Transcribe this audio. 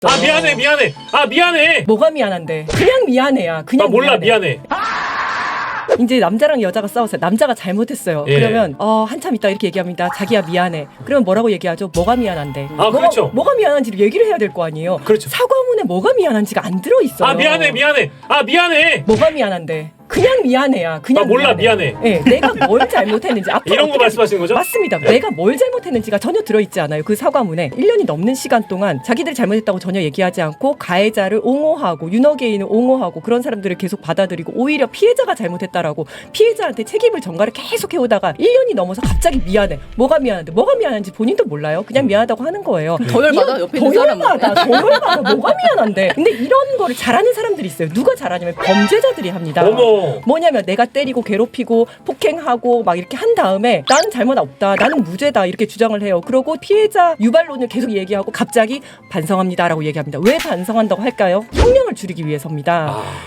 아 미안해. 뭐가 미안한데? 그냥 미안해야. 그냥 나 몰라 미안해. 이제 남자랑 여자가 싸웠어요. 남자가 잘못했어요. 예. 그러면 한참 있다 이렇게 얘기합니다. 자기야 미안해. 그러면 뭐라고 얘기하죠? 뭐가 미안한데? 그렇죠. 뭐가 미안한지를 얘기를 해야 될 거 아니에요. 그렇죠. 사과문에 뭐가 미안한지가 안 들어있어요. 아 미안해. 뭐가 미안한데? 그냥 미안해야. 그냥 나 몰라, 미안해. 네, 내가 뭘 잘못했는지 앞으로 이런 거 어떻게- 말씀하시는 거죠? 맞습니다. 네. 내가 뭘 잘못했는지가 전혀 들어있지 않아요. 그 사과문에 1년이 넘는 시간 동안 자기들이 잘못했다고 전혀 얘기하지 않고 가해자를 옹호하고 윤호개인을 옹호하고 그런 사람들을 계속 받아들이고 오히려 피해자가 잘못했다라고 피해자한테 책임을 전가를 계속 해오다가 1년이 넘어서 갑자기 미안해. 뭐가 미안한데? 뭐가 미안한지 본인도 몰라요. 그냥 미안하다고 하는 거예요. 더 열받아, 옆에 있는 더 열받아. 뭐가 미안한데? 근데 이런 거를 잘하는 사람들이 있어요. 누가 잘하냐면 범죄자들이 합니다. 어머. 뭐냐면 내가 때리고 괴롭히고 폭행하고 막 이렇게 한 다음에 나는 잘못 없다, 나는 무죄다 이렇게 주장을 해요. 그러고 피해자 유발론을 계속 얘기하고 갑자기 반성합니다라고 얘기합니다. 왜 반성한다고 할까요? 형량을 줄이기 위해서입니다.